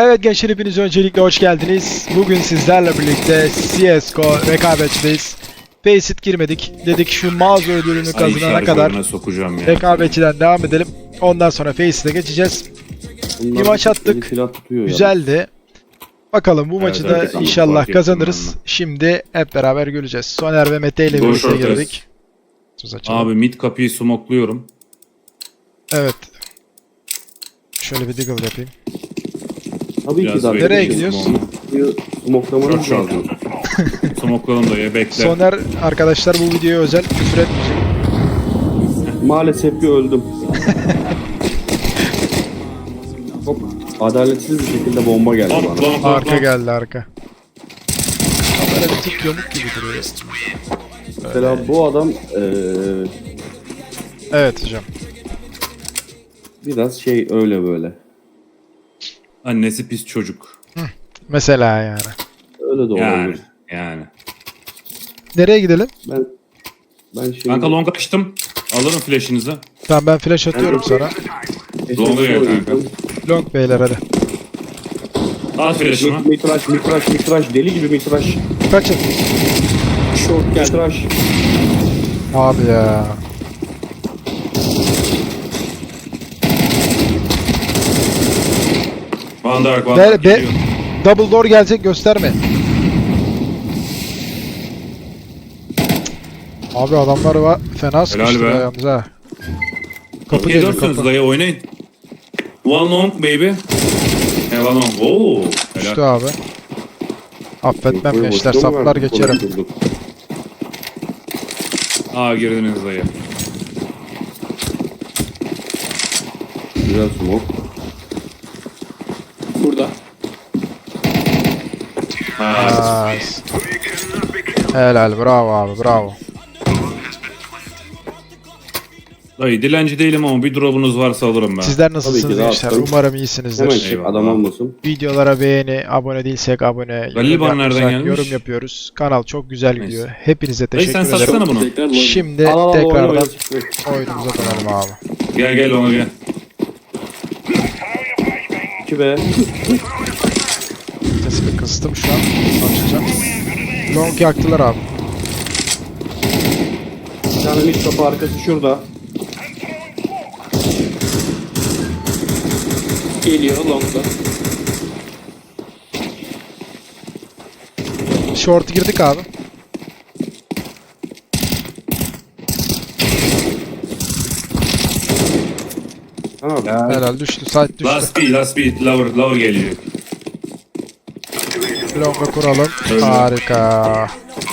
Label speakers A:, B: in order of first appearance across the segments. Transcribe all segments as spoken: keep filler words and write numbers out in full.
A: Evet gençler, hepiniz öncelikle hoş geldiniz. Bugün sizlerle birlikte C S G O rekabetçideyiz. Faceit girmedik. Dedik şu mağaza ödülünü kazanana kadar
B: sokacağım ya.
A: rekabetçiden devam edelim. Ondan sonra Faceit'e geçeceğiz.
C: Bunlar
A: Bir maç attık.
C: silah tutuyor ya.
A: Güzeldi. Bakalım bu
B: Evet,
A: maçı
B: evet,
A: da
B: tamam,
A: inşallah
B: fark ettim
A: kazanırız.
B: ben de.
A: Şimdi hep beraber göreceğiz. Soner ve Mete ile
B: Doğru,
A: birlikte
B: short
A: girdik. Söz açalım.
B: Abi mid kapıyı smokluyorum.
A: Evet. Şöyle bir deagle yapayım.
C: Tabii ki
B: Biraz
C: zaten.
A: Nereye
B: bekleyin
A: gidiyoruz?
B: smoke'u.
C: Smoklamanız
B: Short,
C: lazım.
B: Smokladım da ya bekle.
A: Soner arkadaşlar bu videoya özel küfür etmeyecek.
C: Maalesef ki öldüm. Çok adaletsiz bir şekilde bomba geldi
B: Hop,
C: bana.
B: hop, hop,
A: Arka
B: hop.
A: geldi arka. Böyle bir tık yamuk gibi duruyor.
C: Mesela bu adam eee,
A: Evet hocam.
C: biraz şey öyle böyle.
B: Annesi pis çocuk.
A: Mesela yani.
C: Öyle de
B: Yani.
C: olabilir.
B: Yani.
A: Nereye gidelim?
C: Ben ben şimdi
B: Kanka long açtım. Alırım flash'inizi.
A: Tamam, ben flash atıyorum sana.
B: Longa gel kanka.
A: Long beyler hadi.
B: Al flash'ımı.
C: Mitraş, mitraş, mitraş, deli gibi mitraş.
A: Kaçın.
C: Short gel. Mitraş.
A: Abi ya.
B: Van Dark, Van
A: Be,
B: Dark
A: be,
B: geliyor.
A: double door gelecek, gösterme. Abi adamlar var. Fena sıkıştı
B: be.
A: yalnız ha. Kapı
B: Okey
A: geliyor,
B: dönsünüz
A: kapı.
B: dayı oynayın. One long baby. He one long. Oo.
A: Düştü
B: Helal.
A: abi. Affetmem
C: Boşuna
A: gençler,
C: mı
A: saplar
C: verdik?
A: geçerim.
C: Durduk.
B: Aa girdiniz dayı.
C: Güzel smoke.
D: Burada.
B: Ha.
A: Nice. Helal, bravo abi, bravo.
B: Dayı dilenci değilim ama bir drop'unuz varsa alırım ben.
A: Sizler
C: Tabii
A: nasılsınız
C: ki de
A: gençler?
C: atarım.
A: Umarım
C: Hemen
A: iyisinizdir.
C: çek,
B: Eyvallah.
C: adam olmasın.
A: Videolara beğeni, abone değilsek abone,
B: Galil
A: yorum
B: bana nereden
A: yapıyorsak
B: gelmiş?
A: yorum yapıyoruz. Kanal çok güzel
B: Neyse.
A: gidiyor. Hepinize
B: Dayı
A: teşekkür
B: sen
A: ederim.
B: satsana bunu.
D: Tekrar lobby.
A: Şimdi
C: Al al al oyna
A: tekrardan
C: oyna.
A: oyunumuza dönelim abi.
B: Gel gel ona gel.
C: iki be.
A: Sesimi kıstım şu an. Açacağım. Long yaktılar abi.
C: Bir tane mid kapı arkası şurada.
D: Geliyor long'da.
A: Short girdik abi.
C: Tamam.
A: Helal, düştü. Site düştü.
B: Last beat, last beat, lower, lower geliyor.
A: Long'a kuralım.
B: Öyle.
A: Harika.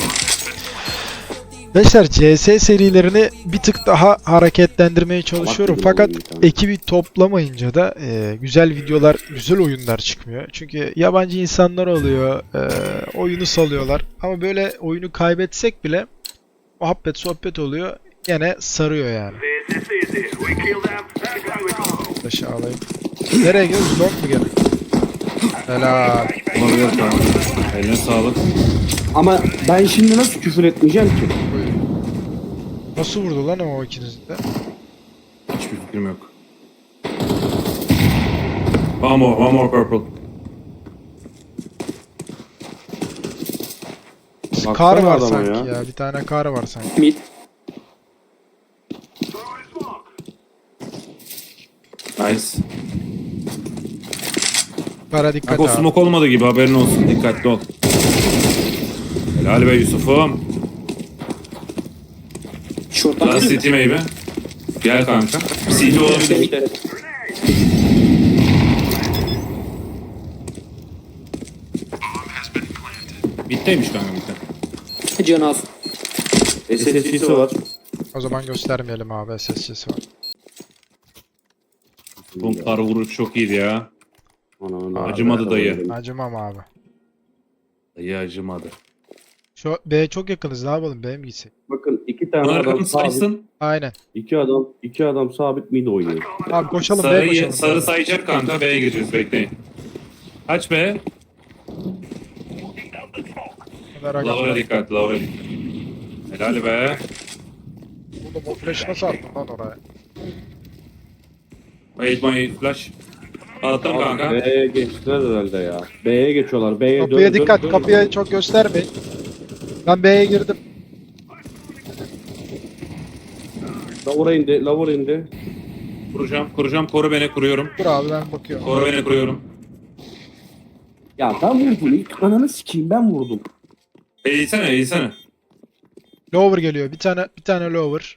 A: Gençler, C S serilerini bir tık daha hareketlendirmeye çalışıyorum.
C: gibi
A: Fakat
C: oyun bir tane.
A: ekibi toplamayınca da e, güzel videolar, güzel oyunlar çıkmıyor. Çünkü yabancı insanlar oluyor, e, oyunu salıyorlar. Ama böyle oyunu kaybetsek bile muhabbet, sohbet oluyor. Gene sarıyor yani. Taşı alayım. Nereye gidiyoruz? Long mu gene? Helal.
B: Olabilir kanka. Eline sağlık.
C: Ama ben şimdi nasıl küfür etmeyeceğim ki?
A: Nasıl vurdu lan o ikiniz de?
B: Hiçbir fikrim yok. One more, one more purple.
A: Kar
C: Baksana
A: var
C: adama
A: sanki ya. Bir tane kar var sanki.
D: Mid.
B: Nice.
A: Kara dikkat
B: Kanka o
A: abi.
B: smoke olmadı gibi haberin olsun. Dikkatli ol. Helal be Yusuf'um.
D: Short'tan
B: Last
D: geliyor.
B: city maybe. Gel kanka. C T olabilir.
D: Bekle.
B: Bitteymiş kanka bitti.
D: Can az.
C: S S C'si var.
A: O zaman göstermeyelim abi, S S C'si var.
B: Bu kar vuruş çok iyiydi ya.
C: Ana, ana,
B: Acımadı
C: ana,
B: dayı.
C: ana.
A: Acımam abi.
B: Dayı acımadı.
A: Şu B'ye çok yakınız, ne yapalım, B'ye mi gitsek?
C: Bakın iki tane
B: Bana
C: adam
B: arkamı
C: sabit.
B: saysın.
A: Aynen.
C: İki adam, iki adam sabit mid oynuyor.
A: Abi koşalım, B'ye
B: Sarı,
A: koşalım.
B: sarı sayacak kanka. B'ye gireceğiz bekleyin. Kaç B?
A: Merak
B: Lower'a
A: etme.
B: dikkat, lower'a dikkat. Helal be.
A: Oğlum o flash nasıl attın lan oraya?
B: Wait my flash. Attım kanka.
C: B'ye geçtiler herhalde ya. B'ye geçiyorlar. B'ye dön-
A: Kapıya
C: dön-
A: dikkat.
C: dön-
A: Kapıya çok göstermeyin. Ben B'ye girdim.
C: Lavura indi. Lavura indi.
B: Kuracağım, kuracağım. Koru beni, kuruyorum.
A: Dur abi ben bakıyorum.
B: Koru beni, kuruyorum.
C: Ya ben vurdum. İlk ananı sikeyim ben vurdum.
B: Eğilsene, eğilsene.
A: Lower geliyor. Bir tane bir tane lower.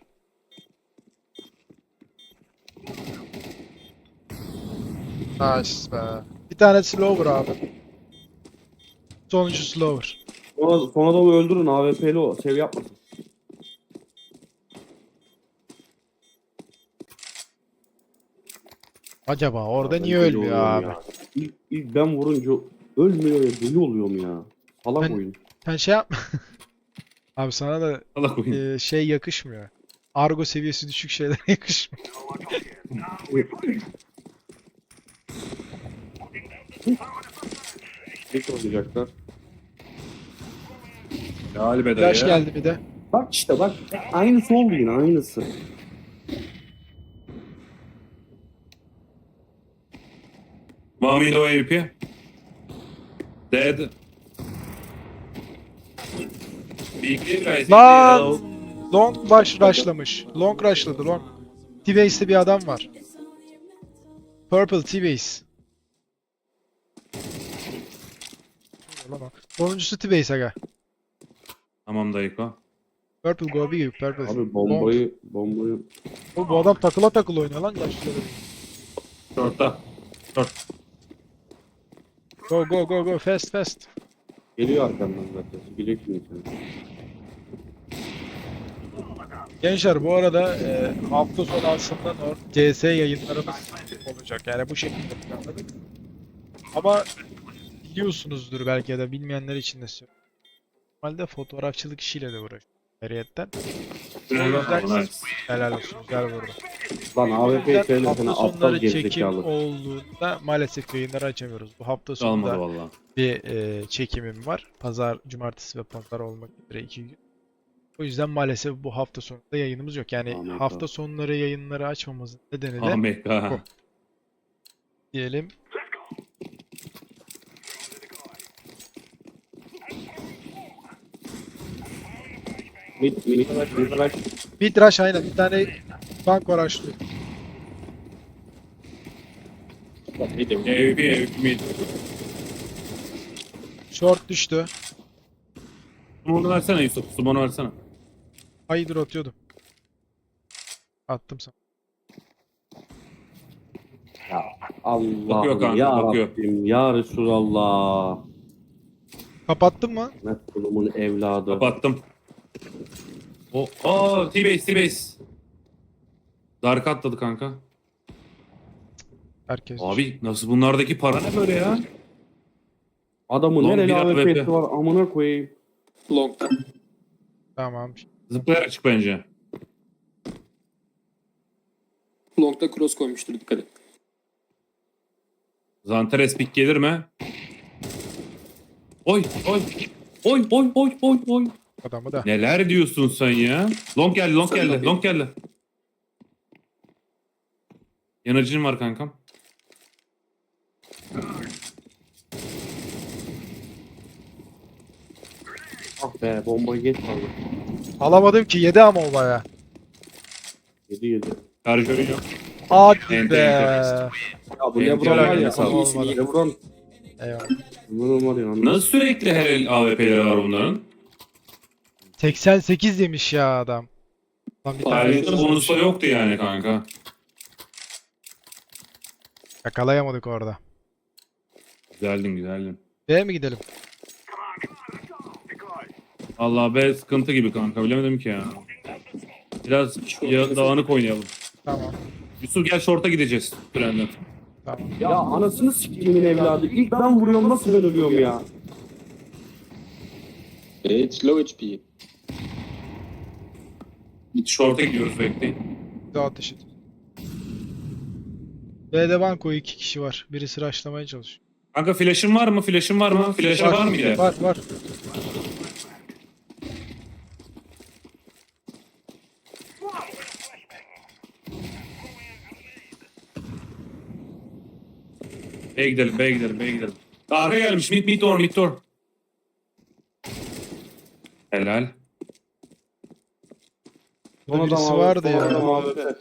A: Nice be. Bir tanesi lower abi. Sonuncusu lower.
C: Sonra, sonra da öldürün. A W P'li o. Sev yapmasın.
A: Acaba orada
C: Ben
A: niye
C: deli
A: ölmüyor
C: oluyorum
A: abi?
C: ya. İlk, ilk ben vurunca ölmüyor ya. Deli oluyorum ya. Salak
A: Ben-
C: oyun.
A: Sen şey yapma. Abi sana da
B: Allah koyayım.
A: e, şey yakışmıyor. Argo seviyesi düşük şeyler yakışmıyor.
C: Geç oynayacaklar.
B: Helal be
A: Flash
B: dayı.
A: geldi bir de.
C: Bak işte bak. Aynısı oldu yine aynısı.
B: One window A W P. Dead. Big guys.
A: Lan! Long baş rushlamış. Long rushladı long. T-Base'de bir adam var. Purple T-Base. Sonuncusu T-Base aga.
B: Tamam dayıko.
A: Purple go big purple.
C: Abi
A: Long.
C: bombayı bombayı
A: O, bu adam takıla takıla oynuyor lan yaşları.
B: Short'ta. Short.
A: Go go go go fast fast.
C: geliyor arkamdan zaten. Bilecek şimdi seni.
A: Gençler bu arada e, hafta sonu aslında Nord C S yayınlarımız olacak. Yani bu şekilde planladık. Ama biliyorsunuzdur belki ya da bilmeyenler için de söylüyorum. Normalde fotoğrafçılık işiyle de uğraşıyorum. Ayrıyetten.
B: Helal.
A: Helal olsun. Güzel vurdu.
C: Lan A W P'yi
A: Hafta
C: söylesene aptal
A: sonları çekim
C: gerizekalı.
A: olduğunda maalesef yayınları açamıyoruz. Bu hafta
B: Olmadı
A: sonunda
B: valla.
A: bir e, çekimim var. Pazar, cumartesi ve pazar olmak üzere iki gün. O yüzden maalesef bu hafta sonunda yayınımız yok. Yani
C: Aman
A: hafta
C: God.
A: sonları yayınları açmamızın nedeni de
B: Amerika.
A: diyelim.
C: Mid mid mid rush.
A: Mid rush aynen. Bir tane bank var açlıyor.
B: A W P, A W P mid.
A: Short düştü.
B: Sumonu versene Yusuf. Sumonu versene.
A: Haydır atıyordum. Attım sana.
C: Allah'ım
B: kanka,
C: ya
B: bakıyor.
C: Rabbim ya Resulallah.
A: Kapattın mı?
C: Ne kulumun evladı.
B: Kapattım. O, aa T-Base, T-Base. Dark atladı kanka.
A: Herkes.
B: Abi nasıl bunlardaki para ne böyle ya?
C: Adamın
B: Long
C: nereli
B: bir
C: A W
B: A W P.
C: P'si var amına koyayım.
D: Long'da.
A: Tamam.
B: Zıplayarak çık bence.
D: Long'da cross koymuştur, dikkat et.
B: Zanteres pick gelir mi? Oy oy. Oy oy oy oy oy.
A: Adamı da.
B: Neler diyorsun sen ya? Long geldi, long
D: Sen
B: geldi,
D: long
B: long geldi. Yanıcın var kankam.
C: Ah be bombayı geç kaldı.
A: Alamadım ki. Yedi ama o baya.
C: Yedi yedi.
B: Şarjörü yok.
A: Hadi
B: Enter,
A: be.
C: Ya bu
B: Benim
C: Lebron var ya.
B: sağ
A: ol.
C: Lebron. Lebron.
A: Eyvallah.
C: Lebron var ya. anladın.
B: Nasıl sürekli her el A W P'leri var bunların?
A: seksen sekiz yemiş ya adam. Lan bir tane
B: Ayrıca bonusu yoktu yani kanka.
A: yakalayamadık orada.
B: Güzeldin güzeldin.
A: B'ye mi gidelim?
B: Allah be sıkıntı gibi kanka bilemedim ki ya. Biraz ya, dağınık oynayalım.
A: Tamam.
B: Yusuf gel short'a gideceğiz trenden.
A: Tamam.
C: Ya anasını siktiğimin evladı. İlk ben vuruyorum nasıl ben ölüyorum ya.
D: It's low H P.
B: Git short'a gidiyoruz bekleyin.
A: Bir daha ateş et. B'de banko iki kişi var. Birisi rushlamaya çalışıyor.
B: Kanka flash'ın var mı? Flash'ın var mı? Flash'ın var mı ile?
A: Var var.
B: B'ye gidelim, B'ye gidelim, B'ye gidelim. Arka gelmiş. Mid, mid door, mid door. Helal.
A: Burada
C: Son
A: birisi
C: adam
A: vardı
C: abi, son adam
A: ya.
C: abi.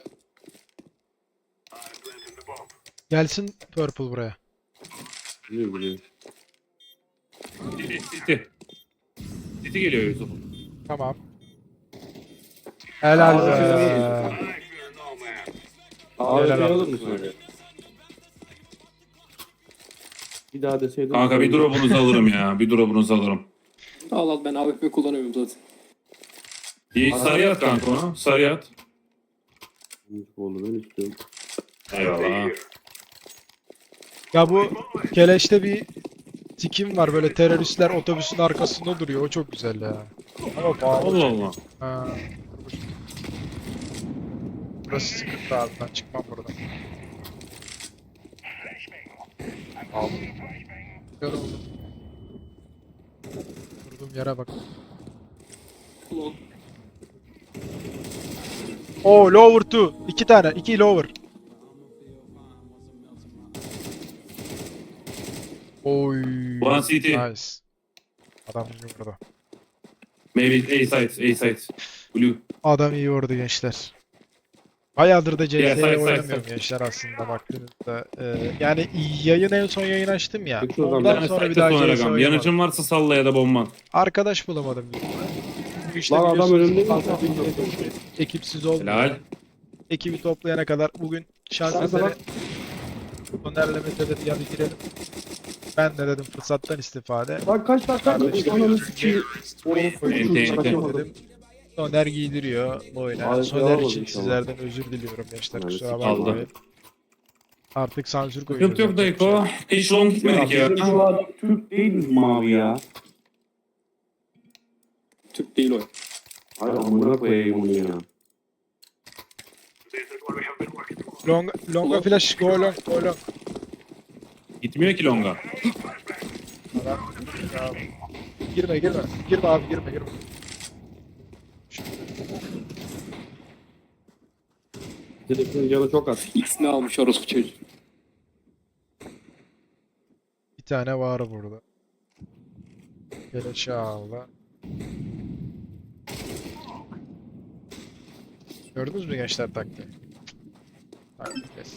A: Gelsin Purple buraya.
C: Biliyor biliyor.
B: City, City. City geliyor Yusuf.
A: Tamam. Helal
C: Aa,
A: be.
C: Abi
A: Helal
C: şey
A: olsun.
C: alır mısın öyle? Bir daha deseydin.
B: Kanka bir drop'unuzu alırım ya. Bir drop'unuzu alırım.
D: Al al ben A W P kullanıyorum zaten.
B: İyi sarı at kanka onu. Sarı at.
C: Oldu ben istiyorum.
B: Eyvallah.
A: Ya bu Keleş'te bir tikim var, böyle teröristler otobüsün arkasında duruyor. O çok güzel ya. Ama pahalı.
B: Allah Allah.
A: Ha. Burası sıkıntı abi, ben çıkmam buradan. Aldım. Yoruldum. Durduğum yere bak.
D: Long.
A: Oo, lower two. İki tane. iki lower. Oy.
B: One city.
A: Nice. Adam iyi vurdu.
B: Maybe A side, A side. Blue.
A: Adam iyi vurdu gençler. Bayağıdır da C
B: Yeah,
A: S
B: side, side,
A: oynamıyorum
B: side.
A: gençler aslında baktığınızda. Ee, yani yayın en son yayın açtım ya.
C: Peki o zaman
A: Ondan
B: Yani
A: sonra bir
B: site'de
A: daha
B: sonra
A: C S
B: rakam.
A: oynamadım.
B: Yanıcın varsa salla ya da bomban.
A: Arkadaş bulamadım. Bu işte
C: Lan adam
A: biliyorsunuz
C: önümde mi?
A: fazla ekipsiz olmuyor.
B: Helal.
A: Ekibi toplayana kadar bugün şans
C: Kanka
A: eseri
C: bak.
A: Soner'le Mete dedi ya bir girelim. Ben de dedim fırsattan istifade.
C: Lan kaç dakika? Ananı sikeyim.
B: Ente, ente.
A: Dedim. Soner giydiriyor bu oyuna.
C: Abi,
A: Soner
C: devam
A: için
C: inşallah.
A: sizlerden özür diliyorum gençler,
C: Yani
A: kusura
B: aldı.
A: bakmayın. Artık sansür koyuyoruz.
B: Sıkıntı yok Dayko. Hiç long gitmedik ya.
C: Bizim şu adam Türk değil mi abi ya?
D: Türk değil o.
C: Hayır amına koyayım onu ya.
A: Long, longa flash, go long, go long.
B: Gitmiyor ki longa.
A: Adam, ya. Girme girme. Girme abi, girme girme.
C: Telefon canı çok az.
D: X'ini almış orospu çocuğu.
A: Bir tane var burada. Geleşe aldı. Gördünüz mü gençler taktiği? Taktik yes.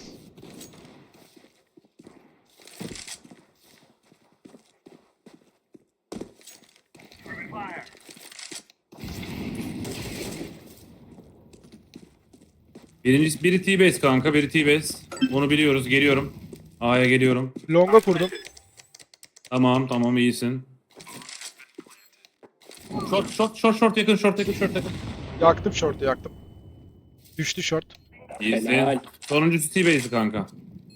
B: Birincisi biri T-base kanka, biri T-base. Onu biliyoruz. Geliyorum. A'ya geliyorum.
A: Longa kurdum.
B: Tamam, tamam iyisin. Short, short, short, short yakın, short yakın, short yakın.
A: Yaktım short'u, yaktım. Düştü short.
B: İyisin.
D: Helal.
B: Sonuncusu T-base'i kanka.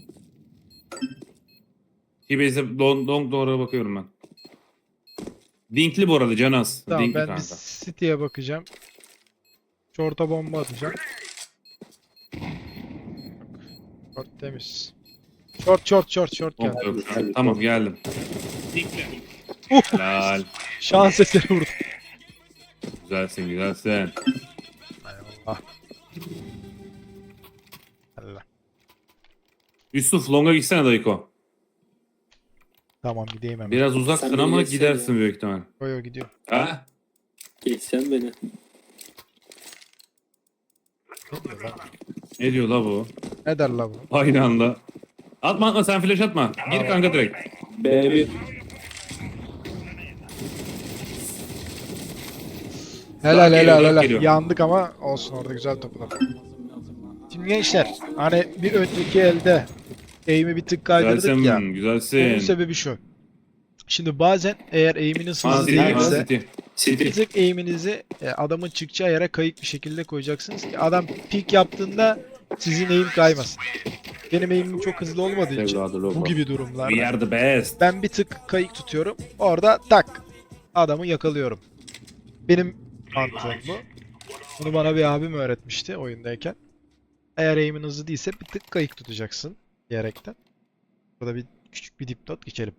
B: T-base'e long, long doğru bakıyorum ben. Dinkli bu arada Canas.
A: Tamam,
B: Dinkli
A: ben
B: kanka.
A: bir City'ye bakacağım. Short'a bomba atacağım. Short temiz. Short short short short
B: Long
A: geldi.
B: yok şu an. Tamam geldim. Dinkli. Helal.
A: Şans eseri vurdum.
B: Güzelsin, güzelsin.
A: Eyvallah. Allah.
B: Yusuf longa gitsene Dayko.
A: Tamam, gideyim hemen.
B: Biraz uzaksın
D: Sen
B: ama
D: bilirsin
B: gidersin
D: ya.
B: büyük ihtimal.
A: Yo yo, gidiyor.
B: Ha?
D: Geçsen beni.
A: Ne diyor lan?
B: Ne diyor la bu?
A: Ne der la bu?
B: Aynı anda. Atma atma sen flash atma. Gir kanka direkt.
C: B bir.
A: Helal
B: geliyor,
A: helal
B: uzak
A: helal.
B: geliyor.
A: Yandık ama olsun, orada güzel topladım. Şimdi gençler, hani bir önceki elde aim'i bir tık kaydırdık
B: Güzelsin,
A: ya. Onun
B: güzelsin.
A: sebebi şu. Şimdi bazen eğer aim'iniz
B: Man
A: hızlı
B: City, Man
A: değilse
B: City. City.
A: bir tık aim'inizi e, adamın çıkacağı yere kayık bir şekilde koyacaksınız ki adam peek yaptığında sizin aim kaymasın. Benim aim'im çok hızlı olmadığı için
C: Evladı
A: bu
C: loba.
A: gibi
B: We
A: durumlarda
B: are the best.
A: ben bir tık kayık tutuyorum. Orada tak adamı yakalıyorum. Benim mantığım bu. Bunu bana bir abim öğretmişti oyundayken. Eğer aim'in hızlı değilse bir tık kayık tutacaksın diyerekten. Burada bir küçük bir dipnot geçelim.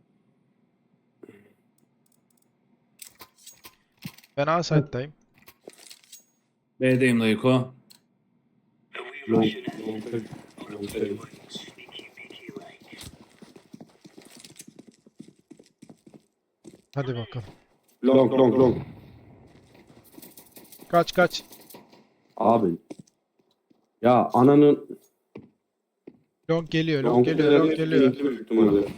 A: Ben A side'dayım.
B: B'deyim Dayko.
C: Long. Long.
A: Hadi bakalım.
C: Long long long.
A: Kaç kaç.
C: Abi. Ya ananın
A: Long geliyor, long geliyor, long geliyor.
C: Büyük ihtimalle.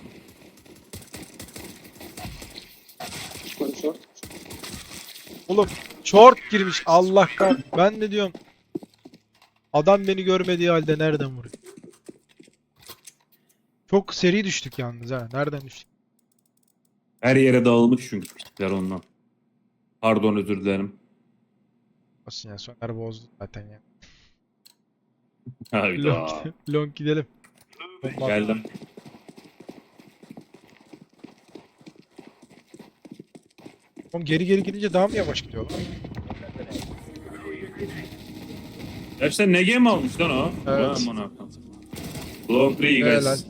D: One short.
A: Oğlum short girmiş. Allah kah. Ben de diyorum. Adam beni görmediği halde nereden vuruyor? Çok seri düştük yalnız ha. Nereden düştük?
B: Her yere dağılmış çünkü pislikler ondan. Pardon, özür dilerim.
A: Olsun ya, Soner bozdu zaten ya.
B: Hayda.
A: Long, long gidelim. Bomba.
B: Geldim.
A: Oğlum geri geri gidince daha mı yavaş gidiyor lan?
B: Gerçekten ne game almış lan o?
A: Evet.
B: Aman Hakan. Long three
A: Helal.
B: guys.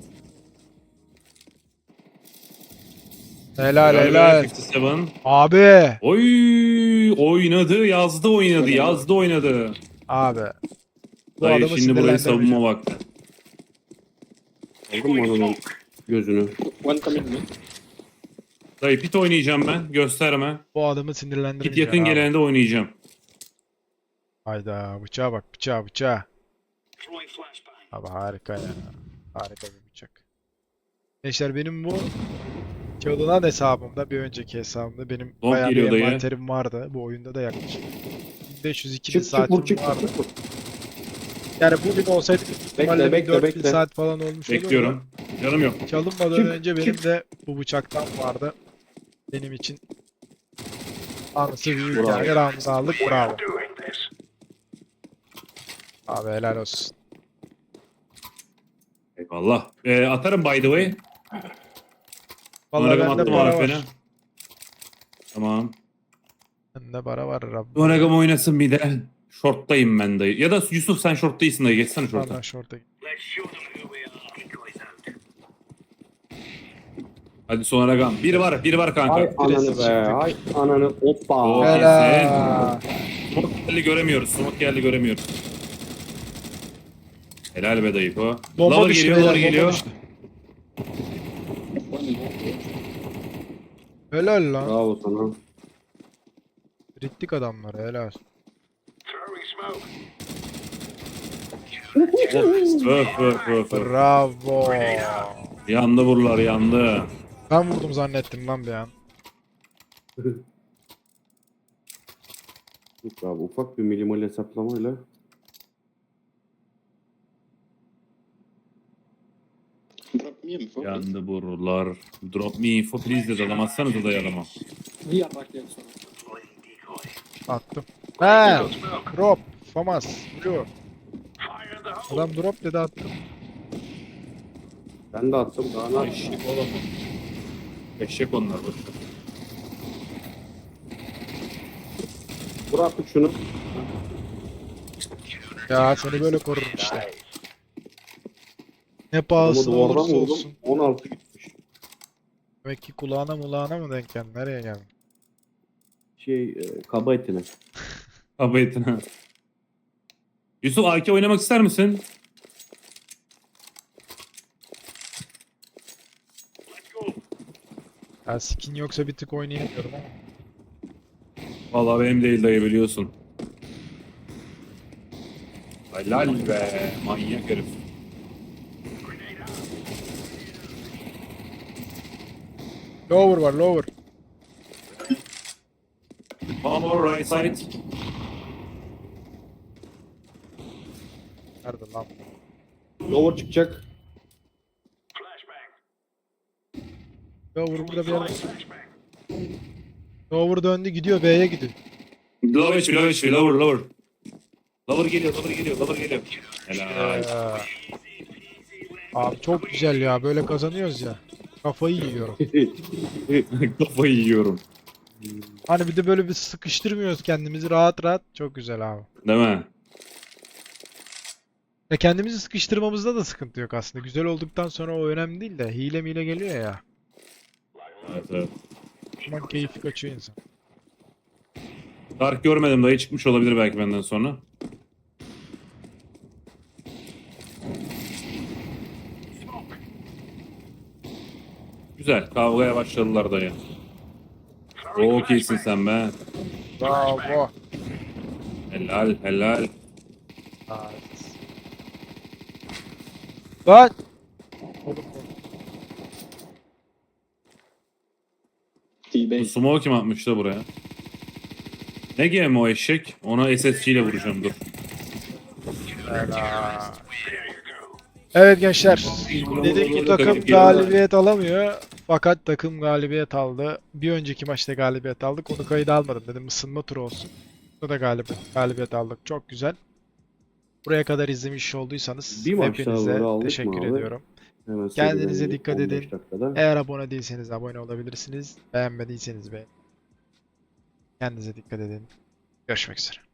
A: Helal
B: Helal
A: helal.
B: be, elli yedi.
A: Abi.
B: Oy, oynadı, yazdı, oynadı, yazdı, oynadı.
A: Abi. Bu
B: Dayı
A: adamı
B: şimdi burayı
A: sinirlendirmeyeceğim.
B: savunma vakti.
C: Aldın mı ananın gözünü?
D: One coming mid.
B: Dayı pit oynayacağım ben, gösterme.
A: Bu adamı
B: Pit
A: sinirlendirmeyeceğim
B: yakın
A: abi.
B: gelende oynayacağım.
A: Hayda bıçağa bak bıçağa bıçağa. Abi harika ya. Harika bir bıçak. Gençler benim bu çalınan hesabımda, bir önceki hesabımda benim
B: Long
A: bayağı bir
B: geliyor dayı.
A: envanterim vardı. Bu oyunda da yaklaşık bin beş yüz iki bin
C: Çık çık
A: saatim
C: vur çık
A: vardı.
C: çık vur.
A: Yani bugün olsaydı büyük ihtimalle
C: bekle,
A: dört bin
C: bekle.
A: saat falan olmuş olurdu.
B: Bekliyorum. Canım yok.
A: Çalınmadan
C: Çık,
A: önce benim
C: çık.
A: de bu bıçaktan vardı. Benim için anısı büyük
C: Bravo.
A: yani. Round'u aldık, bravo. Abi helal olsun.
B: Eyvallah. Ee, atarım by the way.
A: Vallahi
B: Numaragam
A: bende
B: attım
A: para
B: A F'ne.
A: var.
B: Tamam.
A: Bende para var Rabbim.
B: Numaragam oynasın bir de. Short'tayım ben dayı. Ya da Yusuf sen short değilsin dayı. Geçsene short'a.
A: Vallahi şorta git.
B: Hadi Sonaragam. Bir var. Bir var kanka.
C: Ay ananı
A: Birisi
C: be.
A: çıktı.
C: Ay ananı. Hoppa.
B: Oo.
A: Helal.
B: Smoke geldi göremiyoruz. Smoke geldi göremiyoruz. Helal be dayı o.
A: Bomba
B: Lover
A: düştü
B: geliyor,
A: beyler,
B: lover
A: bomba
B: geliyor.
A: düştü.
D: One long.
A: Helal lan.
C: Bravo sana.
A: Rittik adamları helal.
B: Öf öf öf öf.
A: Bravo.
B: Yandı buralar yandı.
A: Ben vurdum zannettim lan bir an.
C: Yok abi ufak bir minimal hesaplamayla.
D: Drop me info.
B: Yandı buralar. Drop me info please dedi adam. Atsanıza dayı adama.
D: We are back there, so.
A: Attım. He. Drop. Famas. Blue. Adam drop dedi attım.
C: Ben de attım daha ne
B: Eşek oğlum. Eşek onlar boşver.
C: Vur artık şunu.
A: Ya seni böyle korurum işte. Ne
C: Ama
A: pahasına
C: duvardan
A: olursa
C: vurdum.
A: olsun.
C: on altı gitmiş.
A: Demek ki kulağına mulağına mı denk geldin? Nereye geldin?
C: Şey e, kaba etine.
B: Kaba etine. Yusuf A K oynamak ister misin?
A: Ya skin yoksa bir tık oynayamıyorum ama.
B: Vallahi benim değil dayı biliyorsun. Helal be. Manyak herif.
A: Lower var lower.
B: Power right side.
A: Nerede lan?
C: Lower çıkacak.
A: Lower burada bir yerde. Lower döndü gidiyor B'ye gidiyor.
B: Lower H P, lower H P, lower, lower. Lower geliyor, lower geliyor, lower geliyor. Helal.
A: Ee, Abi çok güzel ya böyle kazanıyoruz ya. Kafayı yiyorum.
B: Kafayı yiyorum.
A: Hani bir de böyle bir sıkıştırmıyoruz kendimizi rahat rahat. Çok güzel abi.
B: Değil mi?
A: Ya kendimizi sıkıştırmamızda da sıkıntı yok aslında. Güzel olduktan sonra o önemli değil de hile mile geliyor ya.
B: Evet, evet.
A: O zaman keyfi kaçıyor insan.
B: Dark görmedim dayı, çıkmış olabilir belki benden sonra. Güzel, kavgaya başladılar dayı. Çok iyisin sen be.
A: Bravo.
B: Helal helal.
A: Nice. Lan!
B: Bu
D: T-Base.
B: smoke kim atmış da buraya? Ne game o eşek? Ona S S G ile vuracağım dur.
A: Evet gençler, dedik ki
B: Takım
A: takım
B: geliyor.
A: galibiyet alamıyor. Fakat takım galibiyet aldı. Bir önceki maçta galibiyet aldık. Onu kayıda almadım dedim, ısınma turu olsun. Burada da galibiyet, galibiyet aldık. Çok güzel. Buraya kadar izlemiş olduysanız
C: Bir maç daha
A: hepinize
C: böyle aldık mı
A: teşekkür
C: abi?
A: ediyorum.
C: Hemen
A: Kendinize
C: seriden
A: dikkat
C: on beş
A: edin.
C: dakikada.
A: Eğer abone değilseniz abone olabilirsiniz. Beğenmediyseniz beğenin. Kendinize dikkat edin. Görüşmek üzere.